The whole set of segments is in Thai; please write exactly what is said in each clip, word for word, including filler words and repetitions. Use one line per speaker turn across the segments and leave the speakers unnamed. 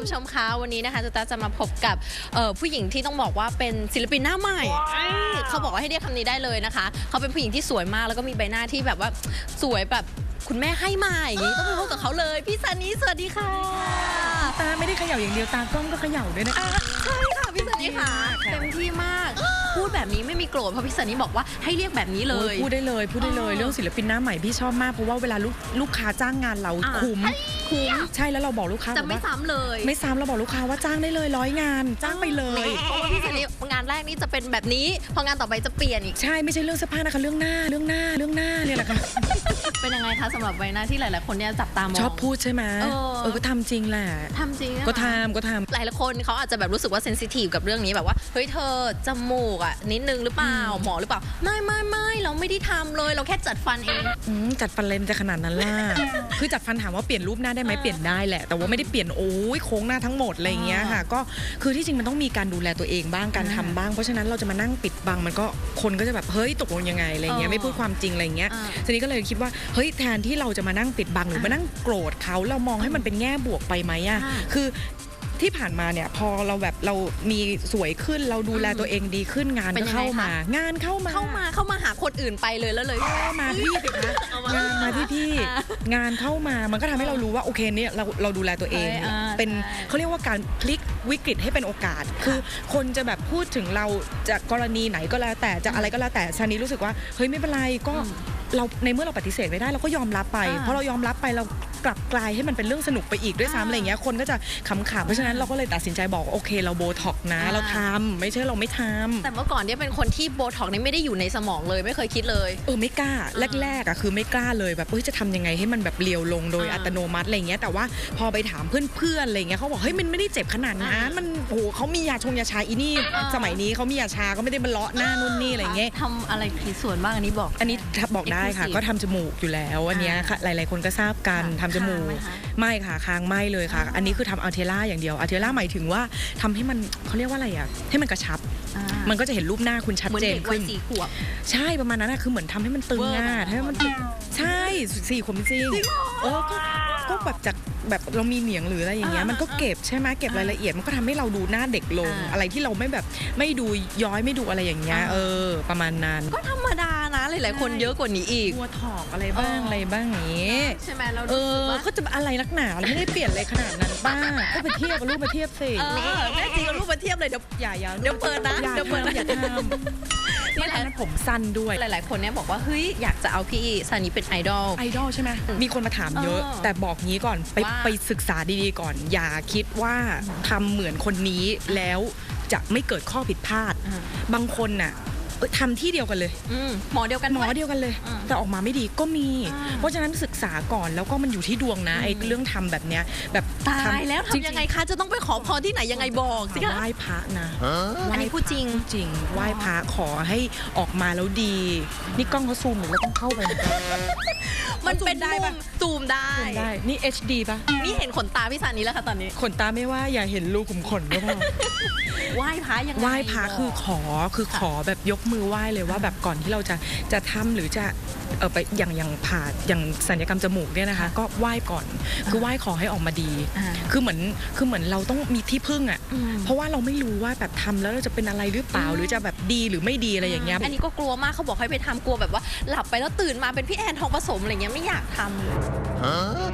คุณผู้ชมคะวันนี้นะคะจะจะมาพบกับผู้หญิงที่ต้องบอกว่าเป็นศิลปินหน้าใหม่เขาบอกว่าให้เรียกคำนี้ได้เลยนะคะเขาเป็นผู้หญิงที่สวยมากแล้วก็มีใบหน้าที่แบบว่าสวยแบบคุณแม่ให้มาอย่างนี้ต้องไปพบกับเขาเลยพี่ซันนี่สวัสดีค่ะ
ตาไม่ได้เขย่าอย่างเดียวตากล้องก็เขย่าด้วยนะ
ใช่ค่ะพี่ซันนี่ค่ะเต็มที่มากพูดแบบนี้ไม่มีโกรธเพราะพี่ซันนี่บอกว่าให้เรียกแบบนี้เลย
พูดได้เลยพูดได้เลยเรื่องศิลปินหน้าใหม่พี่ชอบมากเพราะว่าเวลาลูกลูกค้าจ้างงานเราคุ้มคุ้มใช่แล้วเราบอกลูกค้า
จะไม่ซ้ำเลย
ไม่ซ้ำเราบอกลูกค้าว่าจ้างได้เลยร้อยงานจ้างไปเลย
เพราะว่าพี่ซันนี่งานแรกนี่จะเป็นแบบนี้พองานต่อไปจะเปลี่ยนอีก
ใช่ไม่ใช่เรื่องเสื้อผ้านะคะเรื่องหน้าเรื่องหน้าเรื่องหน้าเนี่ยแหละค่ะ
เป็นยังไงคะสำหรับใบหน้าที่หลายๆคนเนี่ยจับตามอง
ชอบพูดใช่ไหมเออก็ทำจริงแหละ
ทำจริง
ก็ทำก็ทำ
หลายๆคนเขาอาจจะแบบรู้สึกว่าเซนซิทีฟกับเรื่องนี้แบบว่าเฮ้ยเธอจมูกอ่ะนิดนึงหรือเปล่าหมอหรือเปล่าไม่ไม่ไม่เราไม่ได้ทำเลยเราแค่จัดฟันเอง
จัดฟันเลนจะขนาดนั้นล่ะคือจัดฟันถามว่าเปลี่ยนรูปหน้าได้ไหมเปลี่ยนได้แหละแต่ว่าไม่ได้เปลี่ยนโอ้ยโค้งหน้าทั้งหมดอะไรอย่างเงี้ยค่ะก็คือที่จริงมันต้องมีการดูแลตัวเองบ้างการทำบ้างเพราะฉะนั้นเราจะมานั่งปิดบังมันก็คนก็จะแบบเฮ้ยตกลงยังไงอะไรเงี้ยไม่พูดความจริงอะไรเงี้ยทีนี้ก็เลยคิดว่าเฮ้ยแทนที่เราจะมานั่งปิดบังหรือมานั่งโกรธเขาเรามองให้มันเป็นแง่บวกไปไหมอ่ะคือที่ผ่านมาเนี่ยพอเราแบบเรามีสวยขึ้นเราดูแลตัวเองดีขึ้นงานก็เข้ามางานเข้ามา
เข้ามาเข้ามาหาคนอื่นไปเลยแล้วเลย
มาพี่สิคะงานมาที่พี่งานเข้ามามันก็ทำให้เรารู้ว่าโอเคเนี่ยเราเราดูแลตัวเองเป็นเขาเรียกว่าการพลิกวิกฤตให้เป็นโอกาสคือคนจะแบบพูดถึงเราจากกรณีไหนก็แล้วแต่จะอะไรก็แล้วแต่ชานี้รู้สึกว่าเฮ้ยไม่เป็นไรก็เราในเมื่อเราปฏิเสธไม่ได้เราก็ยอมรับไปเพราะเรายอมรับไปเรากลับกลายให้มันเป็นเรื่องสนุกไปอีกด้วยซ้ำอะไรเงี้ยคนก็จะขำๆเพราะฉะนั้นเราก็เลยตัดสินใจบอกโอเคเราโบท็อกนะเราทำไม่ใช่เราไม่ทำ
แต่เมื่อก่อนเนี่ยเป็นคนที่โบท็อกนี่ไม่ได้อยู่ในสมองเลยไม่เคยคิดเลย
เออไม่กล้าแรกๆอ่ะคือไม่กล้าเลยแบบเฮ้ยจะทำยังไงให้มันแบบเรียวลงโดยอัตโนมัติอะไรเงี้ยแต่ว่าพอไปถามเพื่อนๆอะไรเงี้ยเขาบอกเฮ้ยมันไม่ได้เจ็บขนาดนั้นมันโอ้โหเขามียาชงยาชาอีนี่สมัยนี้เขามียาชาก็ไม่ได้มาเลาะหน้านู่นนี่อะไรเงี้ย
ทำอะไรขีดส่วนบ้างอันนี้บอก
อันนี้บอกได้ค่ะก็ทำจมูกอยู่แล้วอันนี้ค่ะหลายๆคนก็ทราบกันทำจมูกไม่ค่ะค้างไม่เลยค่ะอันนี้คือทำอัลเทล่าอย่างเดียวอัลเทล่าหมายถึงว่าทำให้มันเขาเรียกว่าอะไรอ่ะให้มันกระชับมันก็จะเห็นรูปหน้าคุณชัดเจนขึ้นใช่ประมาณนั้นนะคือเหมือนทำให้มันตึงง่ายให้มันใช่สี่ขวบจริงเออก็ก็แบบจากแบบเรามีเหนียงหรืออะไรอย่างเงี้ยมันก็เก็บใช่ไหมเก็บรายละเอียดมันก็ทำให้เราดูหน้าเด็กลงอะไรที่เราไม่แบบไม่ดูย้อยไม่ดูอะไรอย่างเงี้ยเออประมาณนั้น
ก็ธรรมดานะหลายๆคนเยอะกว่านี้อีก
ตัวถอกอะไรบ้างอะไรบ้างอย่างงี้
ใช่ไหมเรา
เออก็จะอะไรนักหนาเราไม่ได้เปลี่ยนอะไรขนาดนั้นบ้างก็ไปเทียบกับรูปมาเทียบสิ
แม่จริงกับรูปมาเทียบเลยเดี๋ยว
อย่าอย่า
เดี๋ยวเปิดนะ
เดี๋ยวเปิดอย่าทำนี่แหละผมสั้นด้วย
หลายๆคนเนี่ยบอกว่าเฮ้ยอยากจะเอาพี่ซันนี่เป็นไอดอล
ไอดอลใช่ไหมมีคนมาถามเยอะแต่บอกงี้ก่อนไปไปศึกษาดีๆก่อนอย่าคิดว่าทำเหมือนคนนี้แล้วจะไม่เกิดข้อผิดพลาดบางคนน่ะทำที่เดียวกันเลย
หมอเดียวกัน
หมอเดียวกันเลยแต่ออกมาไม่ดีก็มีเพราะฉะนั้นศึกษาก่อนแล้วก็มันอยู่ที่ดวงนะไอ้เรื่องทำแบบเนี้ยแบบ
ตายแล้วทำยังไงคะจะต้องไปขอพรที่ไหนยังไงบอกสิคะ
ไหว้พระนะ
อันนี้พูดจริง
จริงไหว้พระขอให้ออกมาแล้วดีนี่กล้องเขาซูมหรือเราต้องเข้าไป
มันเป็นได้ปะซูมได้
นี่ เอช ดี ป่ะ
นี่เห็นขนตาพี่ซันนี่แล้วค่ะตอนนี้
ขนตาไม่ว่าอย่าเห็นรูขุมขนก็พอ
ไหว้พระยังไง
ไหว้พระคือขอคือขอแบบยกมือไหว้เลยว่าแบบก่อนที่เราจะจะทำหรือจะเออไปอย่างอย่างผ่าอย่างศัลยกรรมจมูกเนี่ยนะคะก็ไหว้ก่อนคือไหว้ขอให้ออกมาดีคือเหมือนคือเหมือนเราต้องมีที่พึ่งอ่ะเพราะว่าเราไม่รู้ว่าแบบทำแล้วเราจะเป็นอะไรหรือเปล่าหรือจะแบบดีหรือไม่ดีอะไรอย่างเงี้ย
อันนี้ก็กลัวมากเขาบอกให้ไปทำกลัวแบบว่าหลับไปแล้วตื่นมาเป็นพี่แอนทองผสมอะไรเงี้ยไม่อยากทำ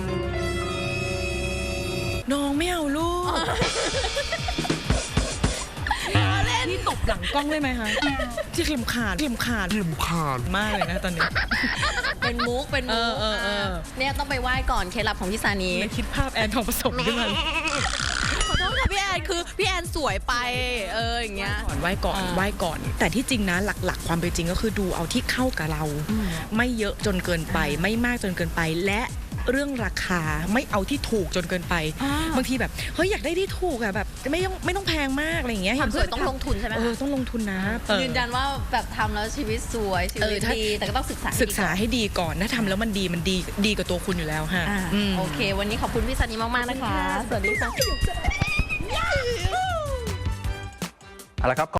น้องไม่เอาลูกนี่ตบหลังกล้องได้ไหมคะที่เข็มขาดเข็มขาดเข็มขาดมากเลยนะตอนนี้
เป็นมุกเป็นมุกเนี่ยต้องไปไหว้ก่อนเคล็ดลับของพี่ซานี
คิดภาพแอนทองผสมขึ้นมา
ขอโทษค่ะพี่แอนคือพี่แอนสวยไปเอออย่างเงี้ย
ไหว้ก่อนไหว้ก่อนแต่ที่จริงนะหลักๆความเป็นจริงก็คือดูเอาที่เข้ากับเราไม่เยอะจนเกินไปไม่มากจนเกินไปและเรื่องราคาไม่เอาที่ถูกจนเกินไปบางทีแบบเฮ้ยอยากได้ที่ถูกอะแบบไม่ต้องไม่ต้องแพงมากอะไรอย่างเงี้ย
ความสวยต้องลงทุนใช่ไหม
เออต้องลงทุนนะ
ยืนยันว่าแบบทำแล้วชีวิตสวยชีวิตดีแต่ก็ต้องศึกษา
ศึกษาให้ดีก่อนถ้าทำแล้วมันดีมันดีดีกับตัวคุณอยู่แล้วค่ะ
โอเควันนี้ขอบคุณพี่ซันนี่มากๆนะคะสวัสดีค่ะ
เอาละครับ